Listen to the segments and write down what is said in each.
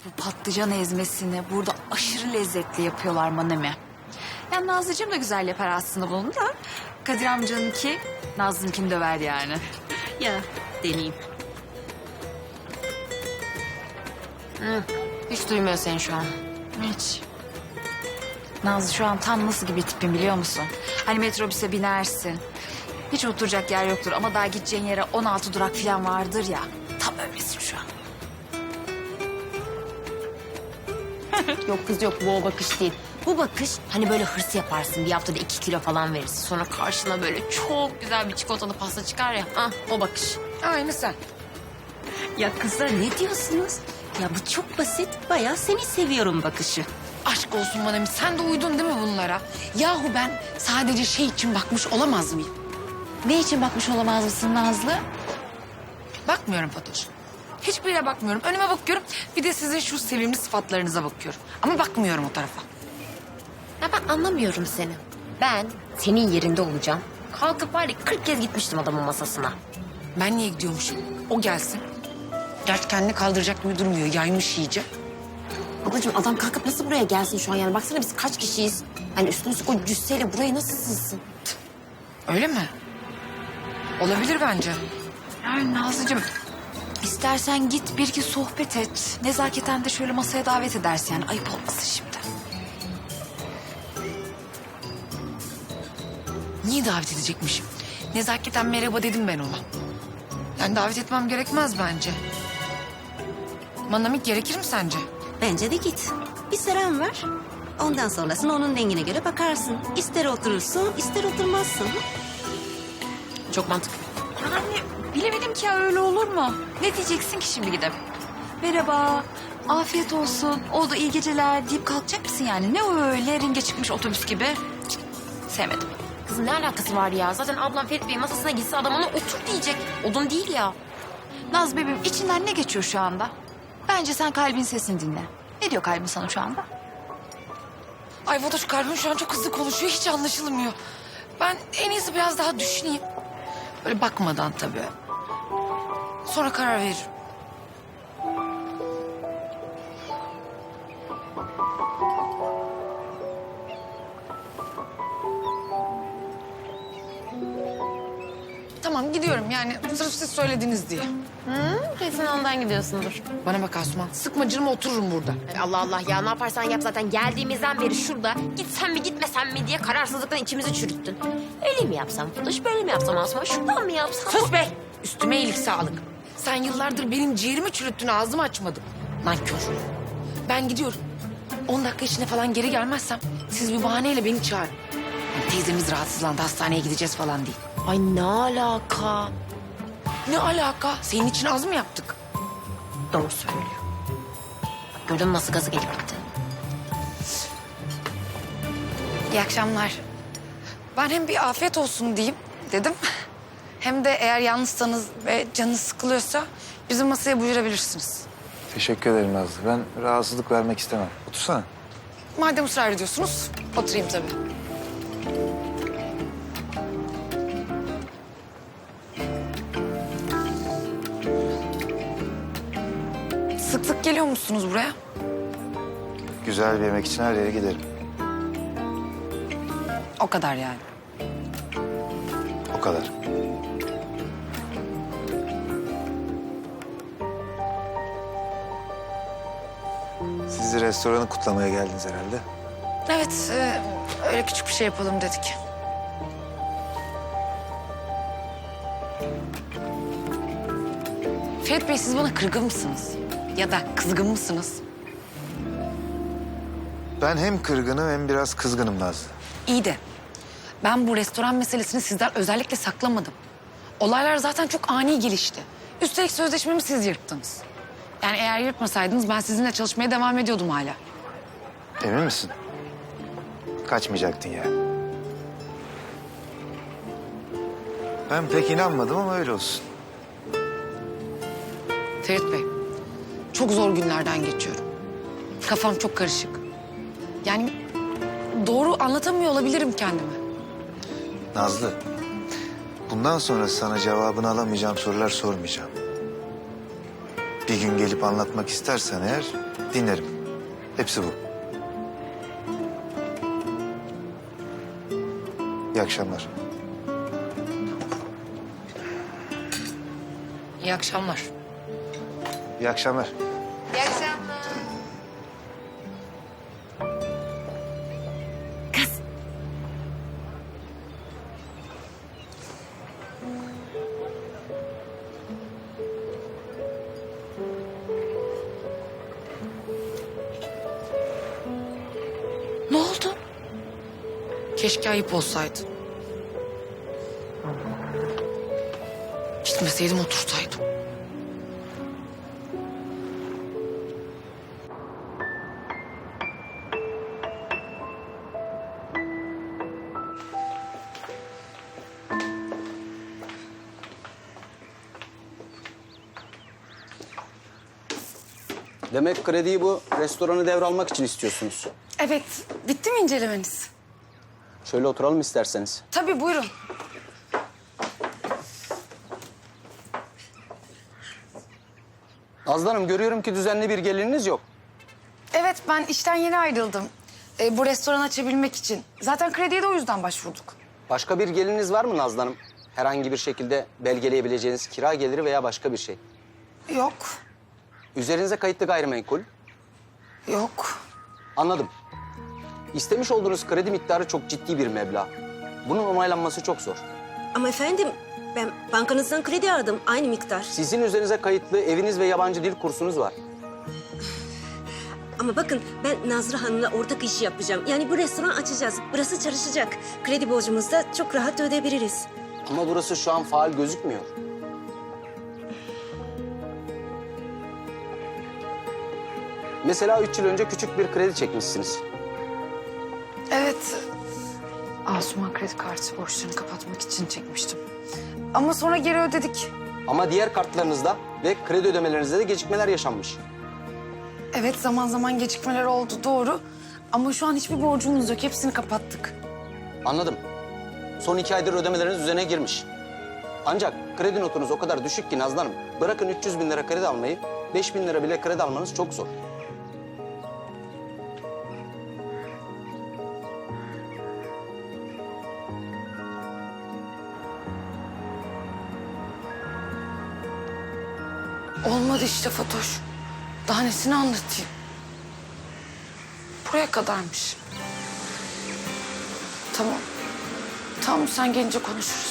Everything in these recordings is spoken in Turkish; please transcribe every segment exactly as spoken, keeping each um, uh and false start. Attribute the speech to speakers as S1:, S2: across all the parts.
S1: Bu patlıcan ezmesini burada aşırı lezzetli yapıyorlar Manemi. Yani Nazlıcığım da güzel yapar aslında bunu da. Kadir amcanınki Nazlı'nkini döver yani.
S2: Ya deneyeyim. Hı, hiç duymuyor seni şu an.
S1: Hiç. Nazlı şu an tam nasıl gibi tipim biliyor musun? Hani metrobüse binersin. Hiç oturacak yer yoktur ama daha gideceğin yere on altı durak falan vardır ya. Tam öylesin şu an.
S2: Yok kız yok, bu o bakış değil. Bu bakış hani böyle hırs yaparsın, bir haftada iki kilo falan verirsin. Sonra karşına böyle çok güzel bir çikolatalı pasta çıkar ya. Ah, o bakış.
S3: Aynı sen.
S2: Ya kızlar ne diyorsunuz? Ya bu çok basit, bayağı seni seviyorum bakışı.
S3: Aşk olsun Manami, sen de uydun değil mi bunlara? Yahu ben sadece şey için bakmış olamaz mıyım?
S1: Ne için bakmış olamaz mısın Nazlı?
S3: Bakmıyorum Fatoş. Hiçbir yere bakmıyorum. Önüme bakıyorum. Bir de sizin şu sevimli sıfatlarınıza bakıyorum. Ama bakmıyorum o tarafa.
S2: Ya ben anlamıyorum seni. Ben senin yerinde olacağım. Kalkıp var ya kırk kez gitmiştim adamın masasına.
S3: Ben niye gidiyormuşum? O gelsin. Gerçi kendini kaldıracak gibi durmuyor. Yaymış iyice.
S2: Ablacığım adam kalkıp nasıl buraya gelsin şu an yani? Baksana biz kaç kişiyiz? Hani üstüne üstlük o cüsseyle buraya nasıl sığsın?
S3: Öyle mi? Olabilir bence.
S1: Yani Nazlıcığım istersen git bir iki sohbet et. Nezaketen de şöyle masaya davet edersin yani ayıp olmasın şimdi.
S3: Niye davet edecekmişim? Nezaketen merhaba dedim ben ona. Yani davet etmem gerekmez bence. Manamik gerekir mi sence?
S4: Bence de git. Bir selam ver. Ondan sonrasını onun dengine göre bakarsın. İster oturursun, ister oturmazsın.
S2: Çok mantıklı.
S1: Yani bilemedim ki ya öyle olur mu? Ne diyeceksin ki şimdi gidip? Merhaba, afiyet olsun, oldu iyi geceler deyip kalkacak mısın yani? Ne o öyle ringe çıkmış otobüs gibi? Cık, sevmedim.
S2: Kızım ne alakası var ya? Zaten ablam Ferit Bey'in masasına gitse adam ona otur diyecek. Odun değil ya.
S1: Naz bebeğim içinden ne geçiyor şu anda? Bence sen kalbin sesini dinle. Ne diyor kalbin sana şu anda?
S3: Ay Fatoş, kalbim şu an çok hızlı konuşuyor. Hiç anlaşılmıyor. Ben en iyisi biraz daha düşüneyim. Böyle bakmadan tabii. Sonra karar veririm. Tamam gidiyorum yani sırf siz söylediniz diye.
S2: Hı, kesin ondan gidiyorsundur.
S3: Bana bak Asuman, sıkma canımı, otururum burada.
S2: Ay Allah Allah ya, ne yaparsan yap zaten geldiğimizden beri şurada gitsem mi gitmesem mi diye kararsızlıktan içimizi çürüttün. Öyle mi yapsam Fatoş, böyle mi yapsam Asma, şuradan mı yapsam?
S3: Sus be! Üstüme iyilik sağlık. Sen yıllardır benim ciğerimi çürüttün, ağzımı açmadım. Nankör. Ben gidiyorum. On dakika içinde falan geri gelmezsem siz bir bahaneyle beni çağırın. Yani teyzemiz rahatsızlandı, hastaneye gideceğiz falan değil.
S2: Ay ne alaka?
S3: Ne alaka? Senin için az mı yaptık?
S2: Doğru söylüyor. Bak, gördün mü nasıl gazı gelip gitti?
S3: İyi akşamlar. Ben hem bir afiyet olsun diyeyim dedim. Hem de eğer yalnızsanız ve canınız sıkılıyorsa bizim masaya buyurabilirsiniz.
S5: Teşekkür ederim Nazlı. Ben rahatsızlık vermek istemem. Otursana.
S3: Madem ısrar ediyorsunuz, oturayım tabii. Sık sık geliyor musunuz buraya?
S5: Güzel bir yemek için her yere giderim.
S3: O kadar yani.
S5: O kadar. Siz de restoranı kutlamaya geldiniz herhalde.
S3: Evet, e, öyle küçük bir şey yapalım dedik. Ferit Bey, siz bana kırgın mısınız? Ya da kızgın mısınız?
S5: Ben hem kırgınım hem biraz kızgınım Nazlı.
S3: İyi de ben bu restoran meselesini sizden özellikle saklamadım. Olaylar zaten çok ani gelişti. Üstelik sözleşmemi siz yırttınız. Yani eğer yırtmasaydınız ben sizinle çalışmaya devam ediyordum hala.
S5: Emin misin? Kaçmayacaktın yani. Ben pek inanmadım ama öyle olsun.
S3: Ferit Bey, çok zor günlerden geçiyorum. Kafam çok karışık. Yani doğru anlatamıyor olabilirim kendimi.
S5: Nazlı, bundan sonra sana cevabını alamayacağım sorular sormayacağım. Bir gün gelip anlatmak istersen eğer dinlerim. Hepsi bu. İyi akşamlar.
S3: İyi akşamlar.
S5: İyi akşamlar.
S3: İyi akşamlar.
S1: Ne oldu?
S3: Keşke ayıp olsaydı. Gitmeseydim otursaydım.
S6: Demek krediyi bu restoranı devralmak için istiyorsunuz.
S3: Evet, bitti mi incelemeniz?
S6: Şöyle oturalım isterseniz.
S3: Tabii buyurun.
S6: Nazlı Hanım, görüyorum ki düzenli bir geliriniz yok.
S3: Evet, ben işten yeni ayrıldım. Ee, bu restoran açabilmek için. Zaten krediye de o yüzden başvurduk.
S6: Başka bir geliriniz var mı Nazlı Hanım? Herhangi bir şekilde belgeleyebileceğiniz kira geliri veya başka bir şey.
S3: Yok,
S6: Üzerinize kayıtlı gayrimenkul.
S3: yok.
S6: Anladım. İstemiş olduğunuz kredi miktarı çok ciddi bir meblağ. Bunun onaylanması çok zor.
S4: Ama efendim ben bankanızdan kredi aldım aynı miktar.
S6: Sizin üzerinize kayıtlı eviniz ve yabancı dil kursunuz var.
S4: Ama bakın ben Nazlı Hanım'la ortak iş yapacağım. Yani bu restoran açacağız. Burası çalışacak. Kredi borcumuzu da çok rahat ödeyebiliriz.
S6: Ama burası şu an faal gözükmüyor. Mesela üç yıl önce küçük bir kredi çekmişsiniz.
S3: Evet. Asuman kredi kartı borçlarını kapatmak için çekmiştim. Ama sonra geri ödedik.
S6: Ama diğer kartlarınızda ve kredi ödemelerinizde de gecikmeler yaşanmış.
S3: Evet, zaman zaman gecikmeler oldu, doğru. Ama şu an hiçbir borcumuz yok. Hepsini kapattık.
S6: Anladım. Son iki aydır ödemeleriniz düzene girmiş. Ancak kredi notunuz o kadar düşük ki Nazlı Hanım. Bırakın üç yüz bin lira kredi almayı, beş bin lira bile kredi almanız çok zor.
S3: Olmadı işte Fatoş. Daha nesini anlatayım? Buraya kadarmış. Tamam. Tamam, sen gelince konuşuruz.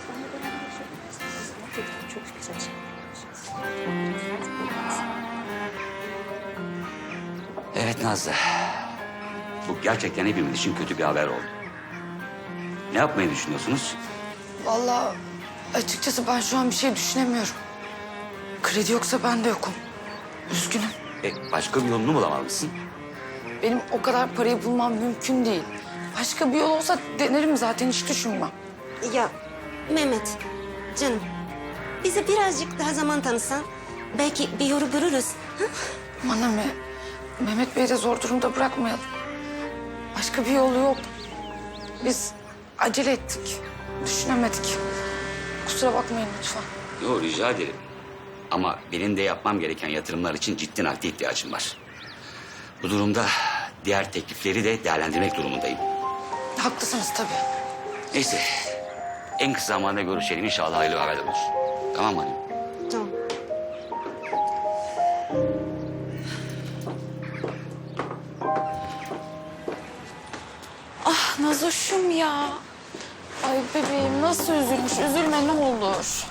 S7: Evet Nazlı. Bu gerçekten hepimiz için kötü bir haber oldu. Ne yapmayı düşünüyorsunuz?
S3: Vallahi açıkçası ben şu an bir şey düşünemiyorum. Kredi yoksa ben de yokum. Üzgünüm.
S7: E, başka bir yolunu bulamalısın.
S3: Benim o kadar parayı bulmam mümkün değil. Başka bir yol olsa denerim zaten, hiç düşünmem.
S4: Ya Mehmet canım bize birazcık daha zaman tanısan belki bir yolu görürüz. Ha?
S3: Bana mı? Mehmet Bey'i de zor durumda bırakmayalım. Başka bir yolu yok. Biz acele ettik. Düşünemedik. Kusura bakmayın lütfen.
S7: Yo, rica ederim. Ama benim de yapmam gereken yatırımlar için ciddi nakde ihtiyacım var. Bu durumda diğer teklifleri de değerlendirmek durumundayım.
S3: Haklısınız tabii.
S7: Neyse. En kısa zamanda görüşelim. İnşallah hayırlı haberler olur. Tamam mı hanım?
S4: Tamam.
S1: Ah Nazoş'um ya.
S3: Ay bebeğim nasıl üzülmüş. Üzülme ne olur.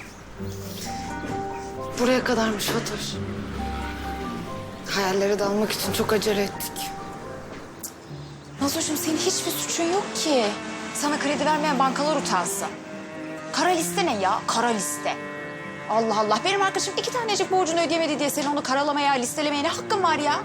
S3: Buraya kadarmış Fatoş. Hayallere dalmak için çok acele ettik.
S1: Nazoş'um senin hiçbir suçun yok ki. Sana kredi vermeyen bankalar utansın. Kara liste ne ya? Kara liste. Allah Allah. Benim arkadaşım iki tanecik borcunu ödeyemedi diye senin onu karalamaya, listelemeye ne hakkın var ya?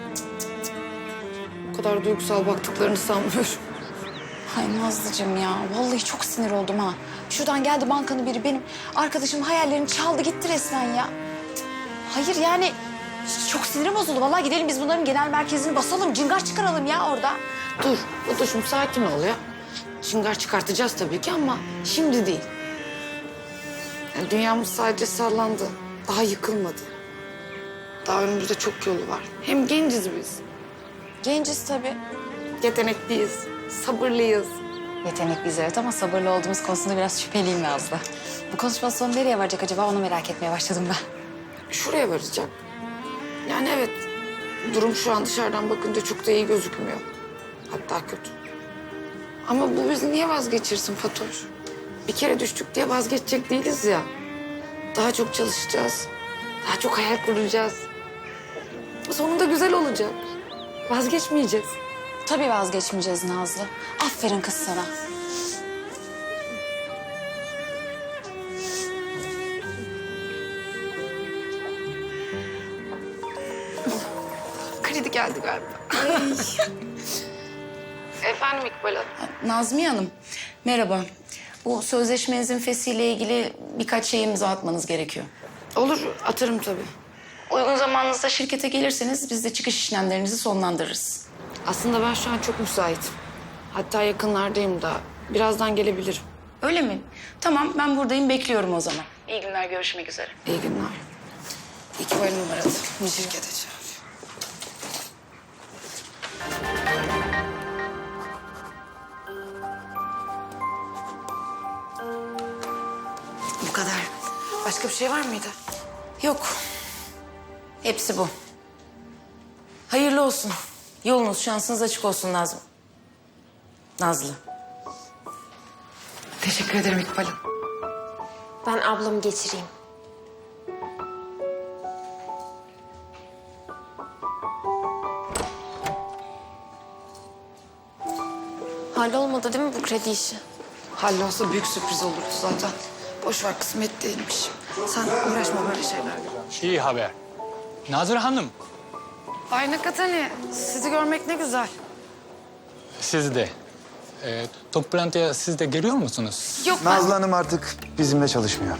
S3: O kadar duygusal baktıklarını sanmıyorum.
S1: Ay Nazlıcığım ya. Vallahi çok sinir oldum ha. Şuradan geldi bankanın biri benim arkadaşımın hayallerini çaldı gitti resmen ya. Hayır yani çok sinirim bozuldu. Vallahi gidelim biz bunların genel merkezini basalım. Cingar çıkaralım ya orada.
S3: Dur Fatoş'um sakin ol ya. Şıngar çıkartacağız tabii ki ama şimdi değil. Yani dünyamız sadece sallandı. Daha yıkılmadı. Daha önümüzde çok yolu var. Hem genciz biz.
S1: Genciz tabii.
S3: Yetenekliyiz, sabırlıyız.
S1: Yetenekliyiz evet ama sabırlı olduğumuz konusunda biraz şüpheliyim Nazlı. Bu konuşma sonu nereye varacak acaba onu merak etmeye başladım ben.
S3: Şuraya varacak. Yani evet, durum şu an dışarıdan bakınca çok da iyi gözükmüyor. Hatta kötü. Ama bu bizi niye vazgeçirsin Fatoş? Bir kere düştük diye vazgeçecek değiliz ya. Daha çok çalışacağız. Daha çok hayal kuracağız. Sonunda güzel olacak. Vazgeçmeyeceğiz.
S1: Tabii vazgeçmeyeceğiz Nazlı. Aferin kız sana.
S3: Kredi geldi galiba. Efendim İkbal Hanım.
S8: Nazmiye Hanım, merhaba. Bu sözleşmenizin fesiyle ilgili birkaç şey imza atmanız gerekiyor.
S3: Olur, atarım tabii.
S8: Uygun zamanınızda şirkete gelirseniz biz de çıkış işlemlerinizi sonlandırırız.
S3: Aslında ben şu an çok müsaitim. Hatta yakınlardayım da. Birazdan gelebilirim.
S8: Öyle mi? Tamam, ben buradayım, bekliyorum o zaman. İyi günler, görüşmek üzere.
S3: İyi günler. İkbal Hanım aradı. Şirkete çağırıyor. Bu kadar. Başka bir şey var mıydı?
S8: Yok. Hepsi bu. Hayırlı olsun. Yolunuz, şansınız açık olsun Nazlı. Nazlı.
S3: Teşekkür ederim İkbal Hanım.
S2: Ben ablamı geçireyim. Hallolmadı değil mi bu kredi işi?
S3: Hallolsa büyük sürpriz olurdu zaten. Boş ver, kısmet değilmiş. Sen uğraşma böyle şeylerle.
S9: İyi haber. Nazır Hanım,
S3: Bay Nakatani, sizi görmek ne güzel.
S9: siz de. Ee, toplantıya siz de geliyor musunuz?
S3: Yok ben...
S5: Nazlı Hanım artık bizimle çalışmıyor.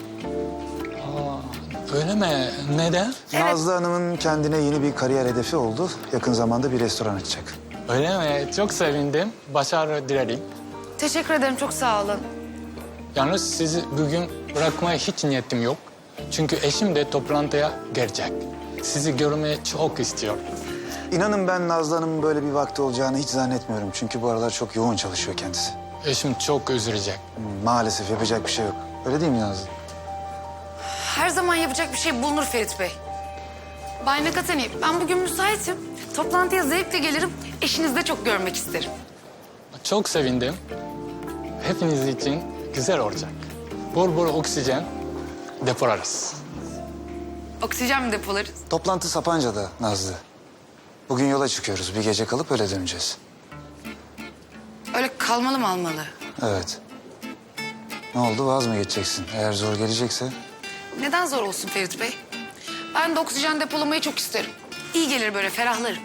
S9: Öyle mi? Neden?
S5: Nazlı Hanım'ın kendine yeni bir kariyer hedefi oldu. Yakın zamanda bir restoran açacak.
S9: Öyle mi? Çok sevindim. Başarı dilerim.
S3: Teşekkür ederim, çok sağ olun.
S9: Yalnız sizi bugün bırakmaya hiç niyetim yok. Çünkü eşim de toplantıya gelecek. Sizi görmeyi çok istiyor.
S5: İnanın ben Nazlı Hanım'ın böyle bir vakti olacağını hiç zannetmiyorum. Çünkü bu aralar çok yoğun çalışıyor kendisi.
S9: Eşim çok üzülecek.
S5: Maalesef yapacak bir şey yok. Öyle değil mi Nazlı?
S3: Her zaman yapacak bir şey bulunur Ferit Bey. Bay Nakatani, ben bugün müsaitim. Toplantıya zevkle gelirim. Eşinizi de çok görmek isterim.
S9: Çok sevindim. Hepiniz için güzel olacak. Bol bol oksijen depolarız.
S3: Oksijen mi depolarız?
S5: Toplantı Sapanca'da Nazlı. Bugün yola çıkıyoruz. Bir gece kalıp öyle döneceğiz.
S3: Öyle kalmalı mı almalı?
S5: Evet. Ne oldu, vaz mı geçeceksin? Eğer zor gelecekse...
S3: Neden zor olsun Ferit Bey? Ben de oksijen depolamayı çok isterim. İyi gelir böyle, ferahlarım.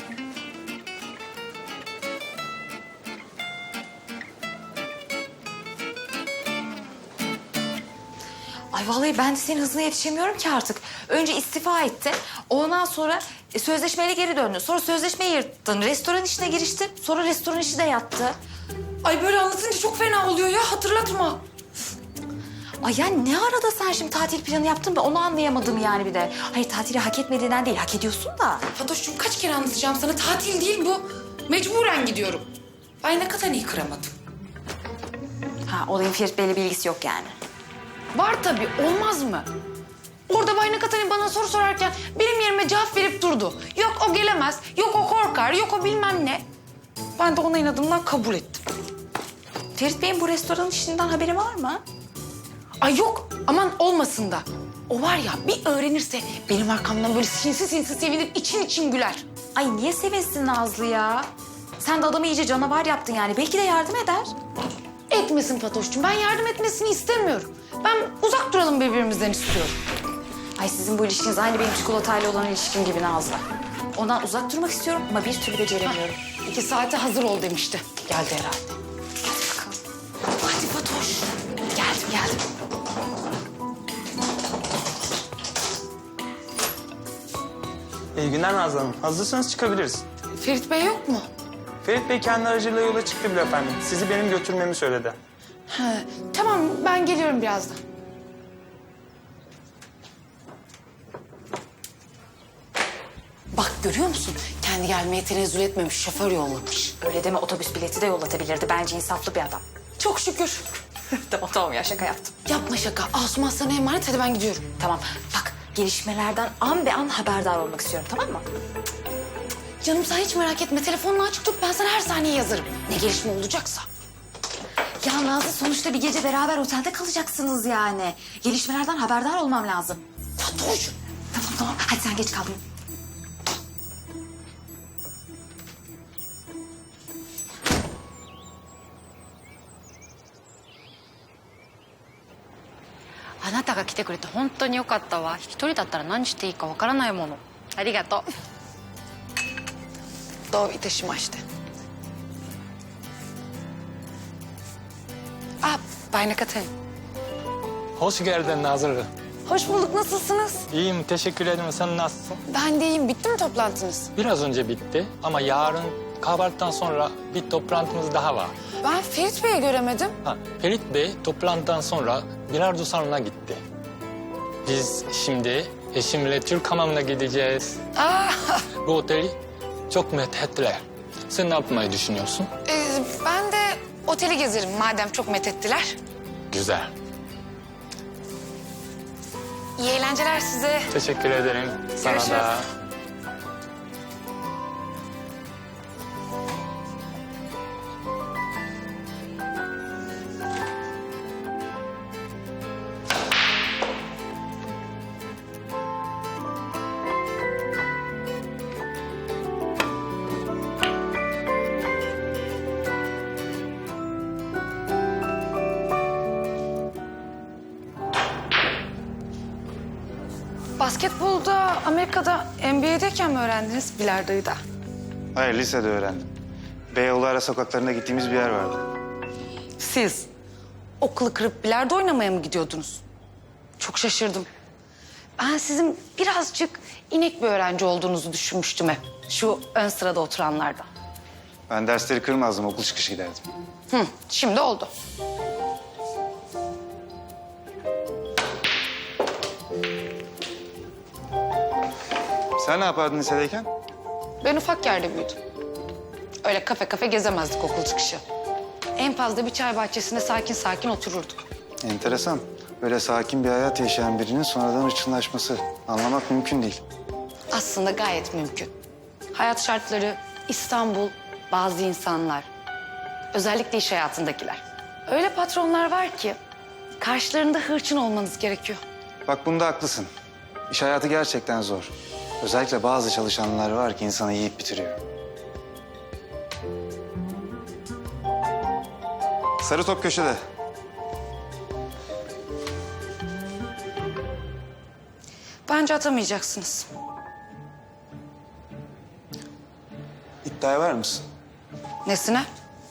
S1: Ay vallahi ben de senin hızına yetişemiyorum ki artık. Önce istifa etti. Ondan sonra e, sözleşmeyle geri döndü. Sonra sözleşmeyi yırttın. Restoran işine giriştin. Sonra restoran işi de yattı.
S3: Ay böyle anlatınca çok fena oluyor ya, hatırlatma.
S1: Ay yani ne arada sen şimdi tatil planı yaptın ben onu anlayamadım yani bir de. Hayır tatili hak etmediğinden değil hak ediyorsun da.
S3: Fatoş'cum kaç kere anlatacağım sana, tatil değil bu. Mecburen gidiyorum. Bay Nakatani'yi kıramadım.
S1: Ha olayın Ferit Bey'le bir ilgisi yok yani.
S3: Var tabii, olmaz mı? Orada Bay Nakatani bana soru sorarken benim yerime cevap verip durdu. Yok o gelemez, yok o korkar, yok o bilmem ne. Ben de ona inadımdan kabul ettim.
S1: Ferit Bey'in bu restoran işinden haberi var mı?
S3: Ay yok, aman olmasın da. O var ya bir öğrenirse benim arkamdan böyle sinsi sinsi sevinir, için için güler.
S1: Ay niye sevinsin Nazlı ya? Sen de adamı iyice canavar yaptın yani. Belki de yardım eder.
S3: Etmesin Fatoş'cum, ben yardım etmesini istemiyorum. Ben uzak duralım birbirimizden istiyorum.
S1: Ay sizin bu ilişkiniz aynı benim çikolatayla olan ilişkim gibi Nazlı. Ondan uzak durmak istiyorum ama bir türlü beceremiyorum.
S3: İki saate hazır ol demişti. Geldi herhalde.
S1: Hadi bakalım.
S3: Hadi Fatoş. Geldim, geldim.
S10: İyi günler Nazlı Hanım. Hazırsanız çıkabiliriz.
S3: Ferit Bey yok mu?
S10: Ferit Bey kendi aracıyla yola çıktı bile efendim. Sizi benim götürmemi söyledi.
S3: Ha, tamam, ben geliyorum birazdan.
S8: Bak görüyor musun? Kendi gelmeye tenezzül etmemiş, şoför yollamış.
S1: Öyle deme, otobüs bileti de yollatabilirdi. Bence insaflı bir adam.
S8: Çok şükür.
S1: Tamam tamam ya, şaka yaptım.
S8: Yapma şaka. Asuman sana emanet, hadi ben gidiyorum.
S1: Tamam bak, gelişmelerden an be an haberdar olmak istiyorum, tamam mı?
S8: Canım sen hiç merak etme. Telefonunu açık tut, ben sana her saniye yazarım. Ne gelişme olacaksa.
S1: Ya Nazlı, sonuçta bir gece beraber otelde kalacaksınız yani. Gelişmelerden haberdar olmam lazım.
S8: Fatoş.
S1: Tamam tamam, hadi sen geç kaldın.
S11: あなたが来てくれて本当によかったわ。一人だったら何していいかわからないもの。ありがとう。
S8: どういたしまして。Ah, Bay Nakatay.
S9: Hoş geldin Nazlı.
S8: Hoş bulduk, nasılsınız?
S9: İyiyim, teşekkür ederim. Sen nasılsın?
S8: Ben de iyiyim. Bitti mi toplantınız?
S9: Biraz önce bitti ama yarın kahvaltıdan sonra bir toplantımız daha var.
S8: Ben Ferit Bey'i göremedim.
S9: Ha, Ferit Bey toplantıdan sonra bilardo salonuna gitti. Biz şimdi eşimle Türk hamamına gideceğiz.
S8: Aa,
S9: Bu oteli çok methettiler. Sen ne yapmayı düşünüyorsun?
S8: e, ben de oteli gezerim madem çok methettiler.
S9: Güzel.
S8: İyi eğlenceler size.
S9: Teşekkür ederim. Sana
S8: Görüşürüz.
S9: da.
S8: Basketbolda Amerika'da N B A'deyken mi öğrendiniz bilardoyu da?
S5: Hayır, lisede öğrendim. Beyoğlu ara sokaklarında gittiğimiz bir yer vardı.
S8: Siz okulu kırıp bilardo oynamaya mı gidiyordunuz? Çok şaşırdım. Ben sizin birazcık inek bir öğrenci olduğunuzu düşünmüştüm hep. Şu ön sırada oturanlardan.
S5: Ben dersleri kırmazdım, okul çıkışı giderdim.
S8: Hı, şimdi oldu.
S5: Sen ne yapardın lisedeyken?
S8: Ben ufak yerde büyüdüm. Öyle kafe kafe gezemezdik okul çıkışı. En fazla bir çay bahçesinde sakin sakin otururduk.
S5: Enteresan. Böyle sakin bir hayat yaşayan birinin sonradan hırçınlaşması. Anlamak mümkün değil.
S8: Aslında gayet mümkün. Hayat şartları, İstanbul, bazı insanlar, özellikle iş hayatındakiler. Öyle patronlar var ki karşılarında hırçın olmanız gerekiyor.
S5: Bak bunda haklısın. İş hayatı gerçekten zor. Özellikle bazı çalışanlar var ki insanı yiyip bitiriyor. Sarı top köşede.
S8: Bence atamayacaksınız.
S5: İddiaya var mısın?
S8: Nesine?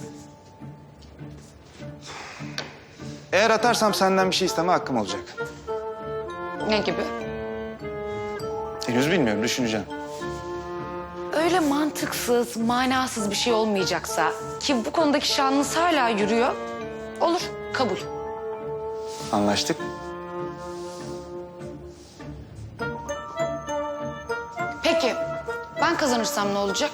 S5: Eğer atarsam senden bir şey isteme hakkım olacak.
S8: Ne gibi?
S5: Henüz bilmiyorum, düşüneceğim.
S8: Öyle mantıksız, manasız bir şey olmayacaksa ki bu konudaki şanınız hala yürüyor. Olur, kabul.
S5: Anlaştık.
S8: Peki, ben kazanırsam ne olacak?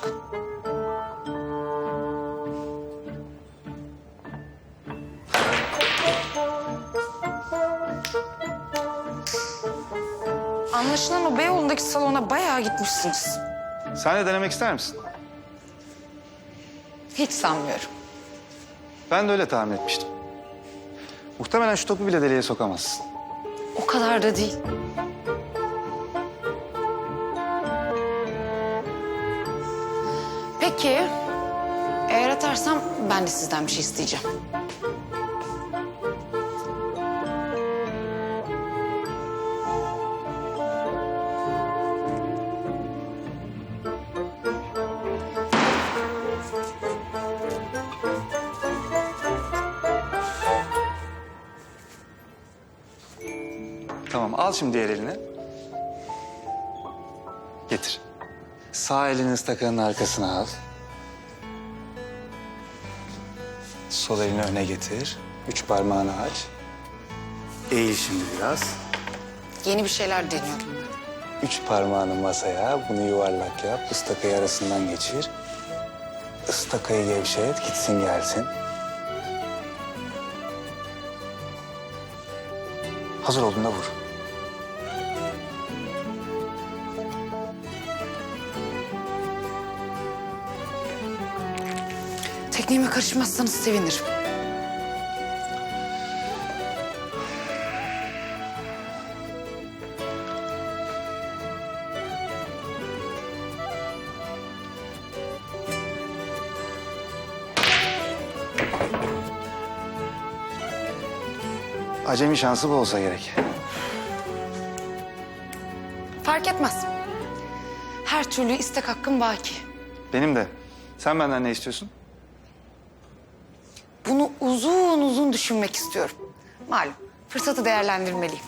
S8: Anlaşılan o Beyoğlu'ndaki salona bayağı gitmişsiniz.
S5: Sen de denemek ister misin?
S8: Hiç sanmıyorum.
S5: Ben de öyle tahmin etmiştim. Muhtemelen şu topu bile deliğe sokamazsın.
S8: O kadar da değil. Peki, eğer atarsam ben de sizden bir şey isteyeceğim.
S5: Tamam, al şimdi diğer elini. Getir. Sağ elini ıstakanın arkasına al. Sol elini öne getir. Üç parmağını aç. Eğil şimdi biraz.
S8: Yeni bir şeyler deniyorum ben.
S5: Üç parmağını masaya, bunu yuvarlak yap. Istakayı arasından geçir. Istakayı gevşet, gitsin gelsin. Hazır olduğunda vur.
S8: Tekniğime karışmazsanız sevinirim.
S5: Acemi şansı bu olsa gerek.
S8: Fark etmez. Her türlü istek hakkım baki.
S5: Benim de. Sen benden ne istiyorsun?
S8: Bunu uzun uzun düşünmek istiyorum. Malum fırsatı değerlendirmeliyim.